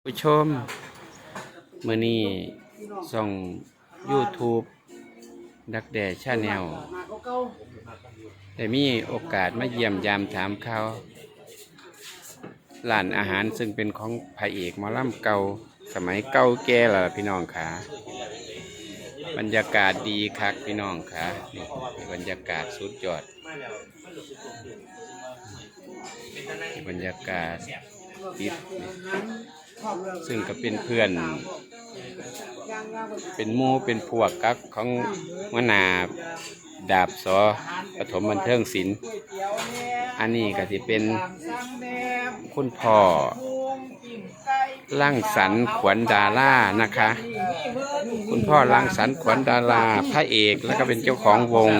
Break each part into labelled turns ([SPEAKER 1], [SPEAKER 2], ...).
[SPEAKER 1] ผู้ชมมื้อนี้ส่อง YouTube ดักแด่ชาแนลได้มีโอกาสมาเยี่ยมยามถามข่าวร้านอาหารซึ่งเป็นของพระเอกหมอลำเก่าสมัยเก่าแก่แล้วล่ะพี่น้องขาบรรยากาศดีคักพี่น้องขานี่บรรยากาศสุดยอดบรรยากาศติดซึ่งก็เป็นเพื่อนเป็นหมู่เป็นพวกกักของหัวหน้าดาบสปฐมบันเทิงศิลป์อันนี้ก็จะเป็นคุณพ่อรังสรรค์ขวัญดารานะคะคุณพ่อรังสรรค์ขวัญดาราพระเอกแล้วก็เป็นเจ้าของวง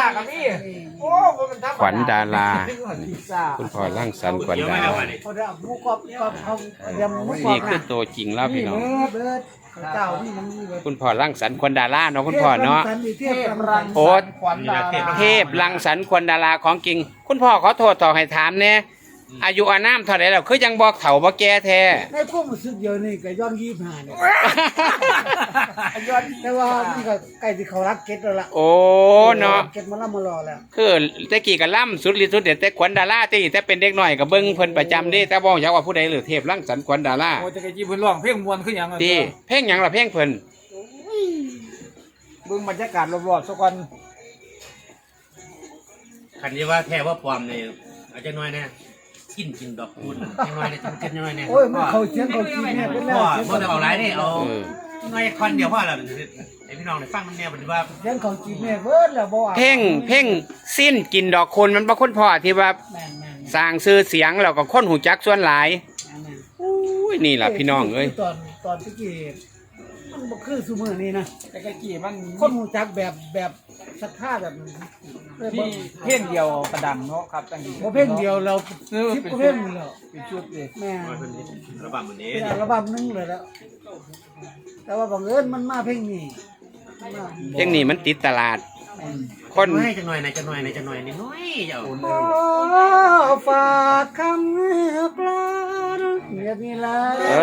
[SPEAKER 1] ขวัญดาราคุณพ่อรังสรรค์ขวัญดารานี่คือตัวจริงแล้วพี่น้องคุณพ่อรังสรรค์ขวัญดาราเนาะคุณพ่อเนาะโอ้เทพรังสรรค์ขวัญดาราของจริงคุณพ่อขอโทษต่อให้ถามเนี่ยอายุอานามเท่าไหร่แล้วคือยังบอกเฒ่าบ่แก่แท้
[SPEAKER 2] ในพวกมันสึกเดียวนี่ก็ย้อน25เนี่ยย้อนแต่ว่ามันก็ใกล้สิเขารักเก็ตแล้วล่ะ
[SPEAKER 1] โอ้เนาะ
[SPEAKER 2] เก็ตมาล่ำมารอแล้ว
[SPEAKER 1] คือแต่กี้ก็ล่ำสุดฤทธิ์สุดเด็ดแต่ขวัญดาราแต่เป็นเด็กน้อยก็เบิ่งเพิ่นประจำเด้แต่บ่อยากว่าผู้ใดหรือเทพรังสรรค์ขวัญดารา
[SPEAKER 3] โอ้จะไปจีบเพิ่นร้องเพลงม่วนคือหยัง
[SPEAKER 1] ติเพลงหยังล่ะเพลงเพิ่น
[SPEAKER 3] เบิ่งบรรยากาศรอบๆซะก่อน
[SPEAKER 4] คันนี้ว่าแท้ว่าปลอมนี่อาจจะน้อยนะกินดอกคูณจังน้อยนะกินน้อยนะ
[SPEAKER 2] โอ้ยมันเขาเสียงเขากินเนี่ยเป็นแล้ว
[SPEAKER 4] บ่ได้เอาหลายนี่เอาน้อยคนเดียวพอแล้วไอ้พี่น้องได้ฟังมันแน่บัดนี้ว่า
[SPEAKER 2] เสียงเขากินเนี่ยเบิดแล้วบ่
[SPEAKER 1] เพลงสิ้นกินดอกคุณมันบ่คุณพ่อที่ว่าสร้างชื่อเสียงแล้วก็คนหูจักส่วนหลายอุ้ยนี่ล่ะพี่น้องเอ้ย
[SPEAKER 2] ตอนตะกี้มันบ่คือซุมื้อนี้นะ
[SPEAKER 3] แต่กะกี้มัน
[SPEAKER 2] คนฮู้จักแบบศรัทธาแบบ
[SPEAKER 3] มีเพลงเดียวกระดังเนาะครับจังซี่
[SPEAKER 2] บ่เพลงเดียวเรา10เพลงแล้ว
[SPEAKER 3] เป็นชุดเลย
[SPEAKER 2] แม่
[SPEAKER 4] ระบำมื้อนี้
[SPEAKER 2] อัลบั้มนึงเลยแล้วแต่ว่าบังเอิญมันมาเพลงนี้
[SPEAKER 1] มันติดตลาด
[SPEAKER 4] คนให้จังน้อยนะจังน้อยนะจังน้อยนี่น้อยเจ้า
[SPEAKER 2] ฝากคำกลอนเงียบนี่ล่ะ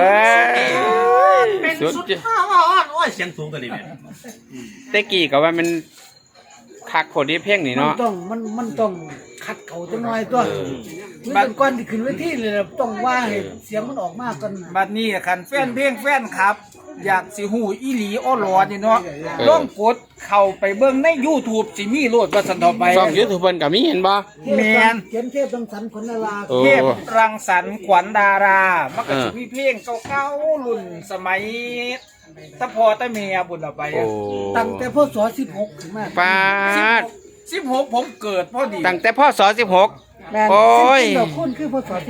[SPEAKER 4] เป็นสุดโอ้ยเสียงสูงกันนี่แม่
[SPEAKER 1] แต่กี้ก็ว่ามันคักโคตรเพลงนี่เนาะ
[SPEAKER 2] มันต้องคัดเขาจังน้อยตัวบัดก่อนที่ขึ้นเวทีเลยต้องว่าให้เสียงมันออกมาก่อน
[SPEAKER 3] บัดนี้คันแฟนเพลงแฟนครับอยากสิฮู้อีหลีอ้อหลอนี่เนาะลองกดเข้าไปเบิ่งใน YouTube สิมีโลดว่าซั่นต่อไป
[SPEAKER 1] ช่อง YouTube เพิ่นก็มีเห็นบ่
[SPEAKER 3] แม่น
[SPEAKER 2] เขียนเทพรังสรรค์ขวัญดารา
[SPEAKER 3] เทพรังสรรค์ขวัญดารามันก็สิมีเพลงเก่าๆรุ่นสมัยตะพ่อตะแม่บุญเอาไป
[SPEAKER 2] ตั้งแต่พศ16ถึงมา
[SPEAKER 1] ปาด
[SPEAKER 3] 16ผมเกิดพอดี
[SPEAKER 1] ตั้งแต่พศ16โอ้ย
[SPEAKER 2] ดอกคุณคือพศ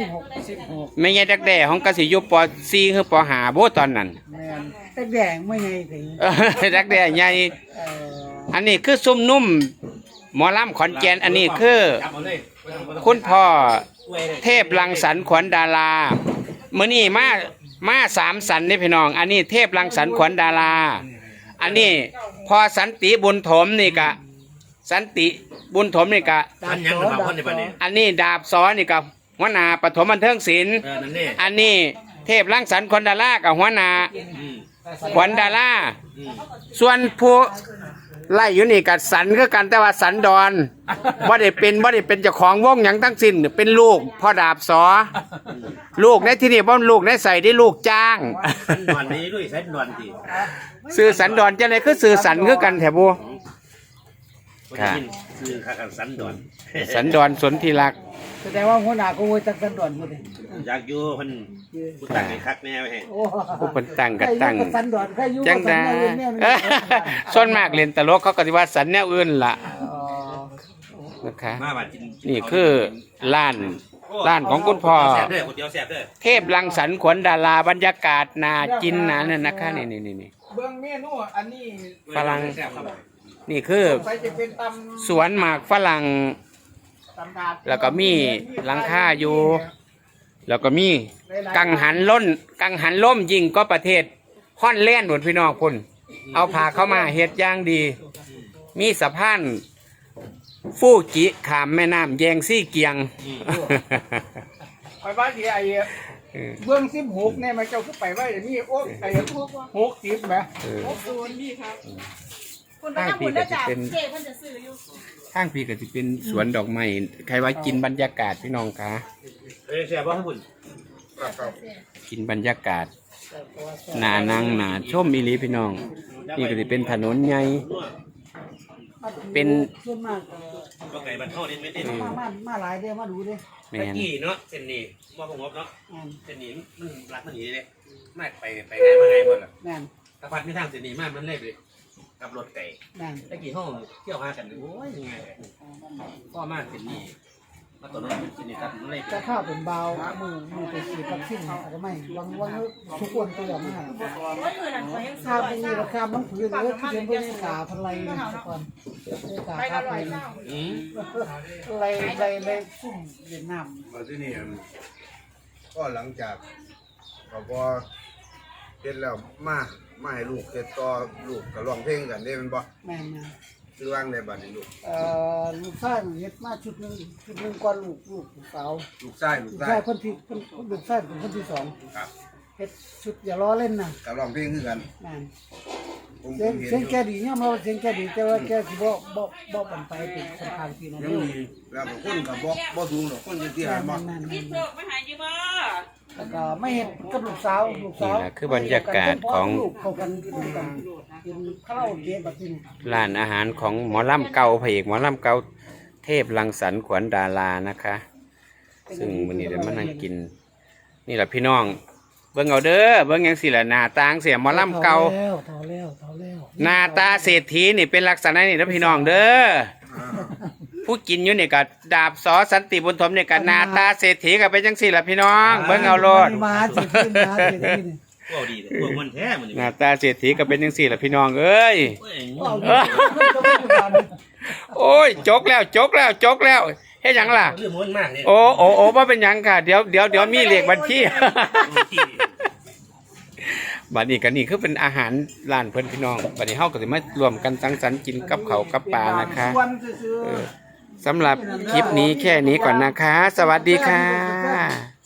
[SPEAKER 2] 16
[SPEAKER 1] ไม่ใช่ดักแด่ของกสิอยู่ป.4 คือป.5 บ่ตอนนั้น
[SPEAKER 2] แม่นดักแดงไม่ไงถึง
[SPEAKER 1] ดักแด่ใหญ่อันนี้คือซุ่มนุ่มหมอลำขอนแก่นอันนี้คือคุณพ่อเทพรังสรรค์ขวัญดารามื้อนี้มา3สันนี่พี่น้องอันนี้เทพรังสรรค์ขวัญดาราอันนี้พอสันติบุญถมนี่ก็สันติบุญถมนี่ก็อันนี้ดาบสอนี่ก็หัวหน้าปฐมบันเทิงศิลป์อันนี้เทพรังสรรค์ขวัญดารากับหัวหน้าขวัญดาราส่วนผู้ไล่อยู่นี่กับสันคือกันแต่ว่าสันดอนบ่ได้เป็นเจ้าของวงหยังทั้งสิ้นเป็นลูกพ่อดาบสอลูกในที่นี่บ่ลูกในใส่ได้ลูกจ้าง
[SPEAKER 4] สันดอนนี้ด้วยสันดอนติ
[SPEAKER 1] สื่อสันดอนจังได๋คือสื่อสันคือกันแท้บ่
[SPEAKER 4] ค่ะคือคักสันดอน
[SPEAKER 1] สนธิรัก
[SPEAKER 2] แสดงว่าหัวหน้าก็โวยตักสันดอนหมดเลย
[SPEAKER 4] อยากอยู่เพิ่นผู้ตั้งให้คักแน่ไว้ให้
[SPEAKER 1] ผู้เพิ่นตั้งก็ตั้ง
[SPEAKER 2] สันดอนใครอยู่
[SPEAKER 1] จังได๋ส่วนมากเล่นตลกเขาก็สิว่าสันแนวอื่นล่ะนะคะนี่คือร้านของคุณพ่อเทพรังสรรค์ขวัญดาราบรรยากาศน่ากินนะนั่นนะคะนี่
[SPEAKER 3] เบิ่งเมนูอันนี้
[SPEAKER 1] ฝรั่งนี่คือสวนหมากฝรั่งแล้วก็มีหลังคาอยู่แล้วก็มีกังหันล่มยิงก็ประเทศฮอลแลนด์หมดพี่น้องพุ่นเอาพาเข้ามาเฮ็ดอย่างดีมีสะพานฟูจิขามแม่น้ำแยงซี่เกียง
[SPEAKER 3] คอยบ้านที่ไอ้เบื้อง16เนี่ยมันเจ้าคือไปไว้เดี๋ยวนี้โอ้ไอ้60แหม
[SPEAKER 5] คุณไปทำบุญได้จากเจ๊เพิ่นจะซื้ออยู่
[SPEAKER 1] ข้างพี่ก็จะเป็นสวนดอกไม้ใครว่ากินบรรยากาศพี่น้องคะ
[SPEAKER 4] แซ่บบ่ครับคุณ
[SPEAKER 1] กินบรรยากาศหนานั่งหนาชมอีหลีพี่น้อง นี่ก็จะเป็นถนนใหญ่เป็น
[SPEAKER 2] ส่วนมาก
[SPEAKER 4] ก็ไก่บันเทานี่ไม่ได้
[SPEAKER 2] มาหลายเด้อมาดูเด้อ
[SPEAKER 1] แม
[SPEAKER 4] ตะ
[SPEAKER 1] น
[SPEAKER 4] กี้เนาะเส้นนี้ว่าบ่งบเนาะ
[SPEAKER 2] แม่น
[SPEAKER 4] เส้นนี้มันรักมันหนีเลยไม่ไปง่ายมาไงหมดล่ะ
[SPEAKER 2] แม่น
[SPEAKER 4] ถ้าพัดไม่ทางเส้นนี้มากมันเล่เลยกับรถไก่
[SPEAKER 2] แม่น
[SPEAKER 4] ตะกี้ห้องเที่ยวหากันโอ้ยยังไงพ่อมากเส้นนี้มาต่อรถเส้นนี้ครับมันเล่
[SPEAKER 2] จะข้าวเป็นเบามือไปฉีดวัคซีนอาจจะไม่วังทุกคนตัวมาก
[SPEAKER 5] เมื่อคืนนั้นขอยยัง
[SPEAKER 2] ข้าวเป็นราคามันผืนเลยที่เป็นเพื่อนกาพันไรนะทุกคนกา
[SPEAKER 5] ไป
[SPEAKER 2] ข้า
[SPEAKER 5] ละ
[SPEAKER 2] ว
[SPEAKER 5] ร้อย
[SPEAKER 2] เป็น
[SPEAKER 5] เจ้า
[SPEAKER 2] ไรซุ่มเวียดนาม
[SPEAKER 6] มาที่นี่ก็หลังจากเขาพอเฮ็ดแล้วมาให้ลูกเฮ็ดต่อลูกก็ร้องเพลงกันได้แมันบ่
[SPEAKER 2] แม่นะ
[SPEAKER 6] คือว่างได้บัดนี้ลูก
[SPEAKER 2] ลูกชายเฮ็ดมาชุดหนึ่งก่อนลูกสาว
[SPEAKER 6] ลูกชายลู
[SPEAKER 2] ลู
[SPEAKER 6] ก
[SPEAKER 2] ก
[SPEAKER 6] ชา
[SPEAKER 2] ชาย ยคนที่ลูกชายเป็นคนที่สอง
[SPEAKER 6] ครับ
[SPEAKER 2] เฮ็ดชุดอย่าล้อเล่นนะ
[SPEAKER 6] ก็ร้องเพลงคือกัน
[SPEAKER 2] แม่น
[SPEAKER 6] ผม
[SPEAKER 2] เสียง
[SPEAKER 6] เห็น
[SPEAKER 2] เสียง
[SPEAKER 6] อยู่
[SPEAKER 2] แกดีเนี่ยมาเสียงแกดีแต่ว่าแกสิบ่บันไปเป็นสำคัญที่นั่น
[SPEAKER 6] ยังมีแล้วก็คนก็บ่สูงหรอกคนที่หาบ่
[SPEAKER 2] แม่น
[SPEAKER 5] พี่เพิกมาหาอยู่บ่
[SPEAKER 2] แล้วก็ไม่เห็นกับลูกสาว
[SPEAKER 1] นี่แหละคือบรรยากาศของ
[SPEAKER 2] ลูกเขากันกินข้าวเกะแบบนี้
[SPEAKER 1] ร้านอาหารของหมอลำเก่าพระเอกหมอลำเก่าเทพรังสรรค์ขวัญดารานะคะ ซึ่งวันนี้เดี๋ยวมานั่งกิน นี่แหละพี่น้อง เบิ่งเอาเด้อเบิ่งยังสิละหน้าตาเสียหมอลำเก่า
[SPEAKER 2] เท่าแล้ว
[SPEAKER 1] หน้าตาเศรษฐีนี่เป็นลักษณะนี่นะพี่น้องเด้อผู้กินอยู่นี่ก็ดาบสอสันติบุญถมนี่ก็หน้าตาเศรษฐีก็เป็นจังสี่ละพี่น้อง เบิ่งเอาโลด
[SPEAKER 2] มาสิขึ้นมาสิขึ้น
[SPEAKER 4] พวกดีเลยพวกมันแท้มัน
[SPEAKER 1] หน้าตาเศรษฐีก็เป็นจังสี่ละพี่น้องเอ้ย
[SPEAKER 2] เอาดิ
[SPEAKER 1] โอ้ยจกแล้วเฮ็ดหยังล่ะ
[SPEAKER 4] เรื่องมันมากเนี่ย
[SPEAKER 1] โอ้ว่าเป็นหยังค่ะเดี๋ยวมีเลขบัญชี บัดนี้ก็นี่คือเป็นอาหารร้านเพิ่นพี่น้องบัดนี้เฮาก็สิมารวมกันสังสรรค์กินกับข้าวกับปลานะคะ
[SPEAKER 2] วันซื่อ
[SPEAKER 1] สำหรับคลิปนี้แค่นี้ก่อนนะคะ สวัสดีค่ะ